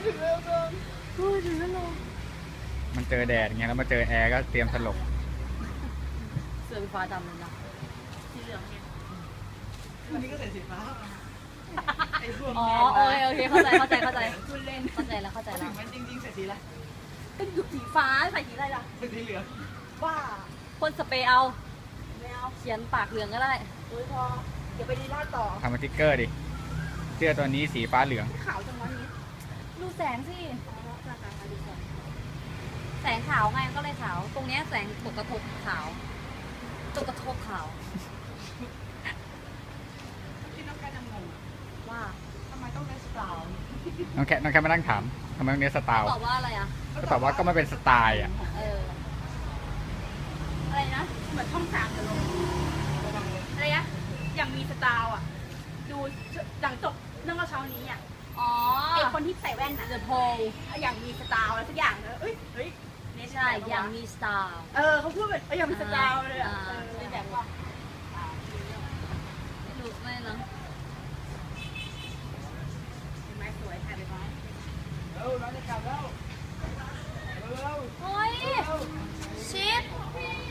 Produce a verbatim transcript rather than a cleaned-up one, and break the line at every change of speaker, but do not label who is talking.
ถึงแล้วก่อนโอ้ยถึงแล้ว
มันเจอแดดไงแล้วมาเจอแอร์ก็เตรียมสลบ
เสื้อฟ้าดำเลยนะสีเหลืองไงวันนี้ก็ใส่สีฟ้าอ๋อโอเคโอเคเข้าใจเข้าใจเข้าใจคุณเล่นเข้าใจแล้วเข้าใจแล้วมันจริงๆใส่สีอะไรก็อยู่สีฟ้าใส่สีอะไรล่ะสีเหลืองว่าพ่นสเปรย์เอาไม่เอาเขียนปากเหลืองก็ได้โอ้ยพอเดี๋ยวไปดีลาดต่อ
ทำสติ๊กเกอร์ดิเสื้อตัวนี้สีฟ้าเหลือง
ขาวจังวะนี้ดูแสงสิแสงขาวไงก็เลยขาวตรงนี้แสงตกกระทบขาวตกกระทบขาวที่น้องแกจะงงว่าทำไมต้องเล่นสไตล์
น้องแค่น้องแค่มานั่งถามทำไมต้องเน้นสไตล์
ตอบว่าอะไรอ่ะ
ก็ตอบว่าก็ไม่เป็นสไตล์อ่ะ
เอออะไรนะเหมือนช่องสามจะลงอะไรนะอย่างมีสไตล์อ่ะดูหลังจบเรื่องเช้านี้อ่ะอ๋อไอคนที่ใส่แว่นน่ะเดอะโพลอย่างมีสไตล์อะไรสักอย่างเนอะเอ้ยเฮ้ยไม่ใช่อย่างมีสไตล์เออเขาพูดแบบอย่างมีสไตล์เลยอ่ะเป็นแบบว่าไม่รู้ไม่เนาะเห็นไหมสวยถ่ายไปไหมเร็วเราจะกลับแล้วเร็วโอ้ยชิป